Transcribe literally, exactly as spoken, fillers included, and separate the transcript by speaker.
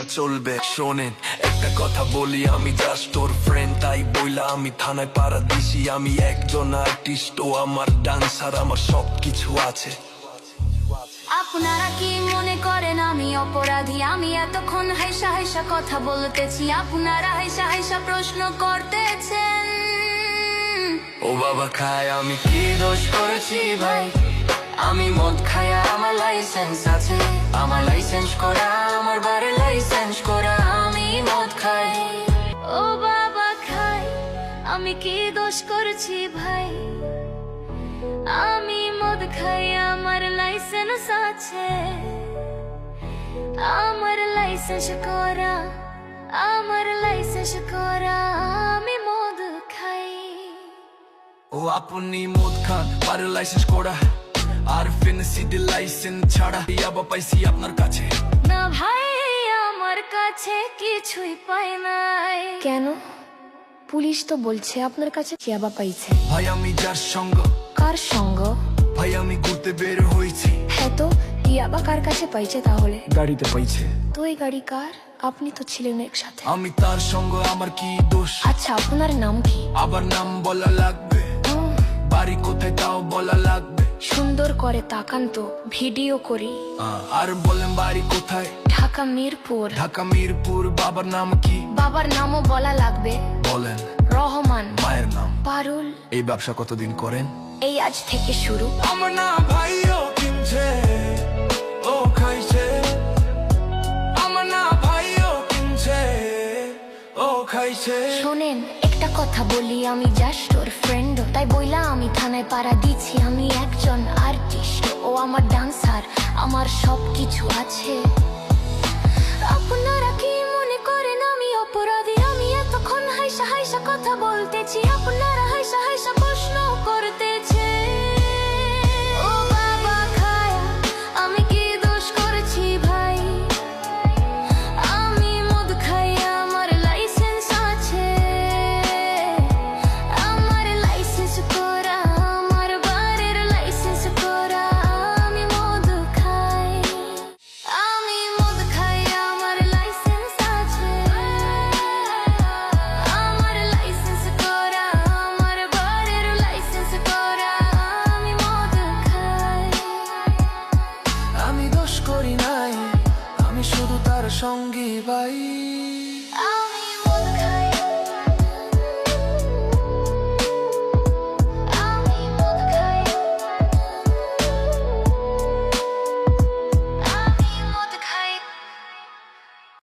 Speaker 1: চলবে। শোনেন একটা কথা বলি, আমি জাস্ট তোর ফ্রেন্ড, তাই বইলা আমি থানায় পাড়া দিছি। আমি একজন আর্টিস্ট, ও আমার ডান্সার, আমার সব কিছু আছে।
Speaker 2: আপনারা কি মনে করেন আমি অপরাধী? আমি এতক্ষণ হাইসা হাইসা কথা বলতেছি, আপনারা হাইসা হাইসা প্রশ্ন করতেছেন।
Speaker 1: ও বাবা খায়, আমি কি দোষ করেছি ভাই?
Speaker 2: আমি মদ খাই, আমার লাইসেন্স আছে, আমার লাইসেন্স করা, আমার বাড়ির লাইসেন্স করা। আমি মদ খাই, ও বাবা খাই, আমি কি দোষ করেছি ভাই? আমি মদ খাই, আমার লাইসেন্স আছে, আমার লাইসেন্স করা, আমার লাইসেন্স করা। আমি মদ খাই।
Speaker 1: ও আপনি মদ খান, আর লাইসেন্স করা, আর ফেন্সিডি লাইসেন্স ছাড়া ইয়াবা পাইছি আপনার কাছে।
Speaker 2: না ভাই, আমার কাছে কিছুই পাই নাই।
Speaker 3: কেন? পুলিশ তো বলছে আপনার কাছে ইয়াবা পাইছে।
Speaker 1: ভাই আমি যার সঙ্গ।
Speaker 3: কার সঙ্গ?
Speaker 1: ভাই আমি ঘুরতে বের হয়েছি।
Speaker 3: হ্যাঁ, তো ইয়াবা কার কাছে পাইছে তাহলে?
Speaker 1: গাড়িতে পাইছে।
Speaker 3: তো এই গাড়ি কার? আপনি তো ছিলেন একসাথে।
Speaker 1: আমি তার সঙ্গ, আমার কি দোষ?
Speaker 3: আচ্ছা, আপনার নাম কি?
Speaker 1: আবার নাম বলা লাগবে?
Speaker 3: উম,
Speaker 1: বাড়ি কোথায় তাও বলা লাগবে?
Speaker 3: সুন্দর করে তাকান তো, ভিডিও করি।
Speaker 1: আহ, আর বলেন বাড়ি কোথায়?
Speaker 3: ঢাকা মিরপুর।
Speaker 1: ঢাকা মিরপুর। বাবার নাম কি?
Speaker 3: বাবার নামও বলা লাগবে।
Speaker 1: বলেন।
Speaker 3: রহমান।
Speaker 1: মায়ের নাম?
Speaker 3: পারুল।
Speaker 1: এই ব্যবসা কতদিন করেন?
Speaker 3: এই আজ থেকে শুরু।
Speaker 1: আমার না ভাই ও কিনছে, ও খাইছে। আমার না ভাই ও কিনছে, ও খাইছে।
Speaker 3: শোনেন একটা কথা বলি, আমি জাস্ট ওর ফ্রেন্ড, তাই বইলা আমি থানায় পাড়া দিচ্ছি। আমি একজন আর্টিস্ট, ও আমার ডান্সার, আমার সব কিছু আছে। আপনারা কি মনে করেন আমি অপরাধী? আমি এতক্ষণ হাইসা হাইসা কথা বলতেছি, আপনারা হাইসা হাইসা প্রশ্ন করতেছে। ও বাবা খায়া, আমি কি দোষ করেছি ভাই? আমি মদ খাই, আমার লাইসেন্স আছে, আমার লাইসেন্স করা, আমার বাড়ির লাইসেন্স করা। আমি মদ খাই, আমি মদ খাই, আমার লাইসেন্স আছে, আমার লাইসেন্স করা, আমার বাড়ির লাইসেন্স করা। আমি মদ খাই।
Speaker 1: আমি দোষ করি নাই, আমি শুধু তার সঙ্গী ভাই।
Speaker 2: আমি মদ